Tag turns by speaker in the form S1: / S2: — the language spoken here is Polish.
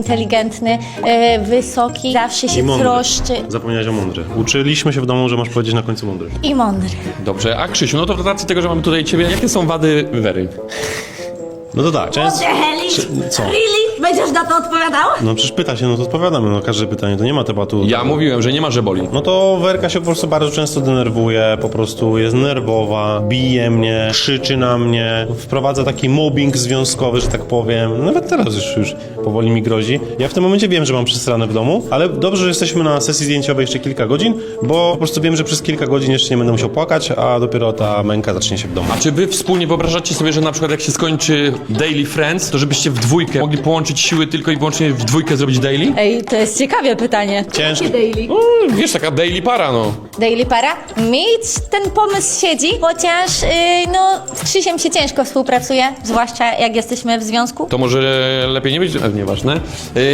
S1: inteligentny, wysoki, zawsze się troszczy.
S2: Zapomniałeś o mądry. Uczyliśmy się w domu, że masz powiedzieć na końcu mądry.
S1: I mądry.
S3: Dobrze, a Krzysiu, no to w racji tego, że mamy tutaj ciebie, jakie są wady Wery?
S2: No to tak, często... Co?
S4: Really? Będziesz na to odpowiadał?
S2: No przecież pyta się, no to odpowiadamy, no każde pytanie, to nie ma tematu.
S3: Ja mówiłem, że nie ma, że boli.
S2: No to Werka się po prostu bardzo często denerwuje, po prostu jest nerwowa, bije mnie, krzyczy na mnie, wprowadza taki mobbing związkowy, że tak powiem. Nawet teraz już powoli mi grozi. Ja w tym momencie wiem, że mam przesrane w domu, ale dobrze, że jesteśmy na sesji zdjęciowej jeszcze kilka godzin, bo po prostu wiem, że przez kilka godzin jeszcze nie będę musiał płakać, a dopiero ta męka zacznie się w domu.
S3: A czy wy wspólnie wyobrażacie sobie, że na przykład jak się skończy Daily Friends, to żebyście w dwójkę mogli połączyć siły tylko i wyłącznie w dwójkę zrobić daily?
S1: Ej, to jest ciekawe pytanie.
S2: Ciężko.
S3: No, wiesz, taka daily para, no.
S1: Daily para? Mi ten pomysł siedzi, chociaż no z Krzysiem się ciężko współpracuje, zwłaszcza jak jesteśmy w związku.
S3: To może lepiej nie być, nieważne.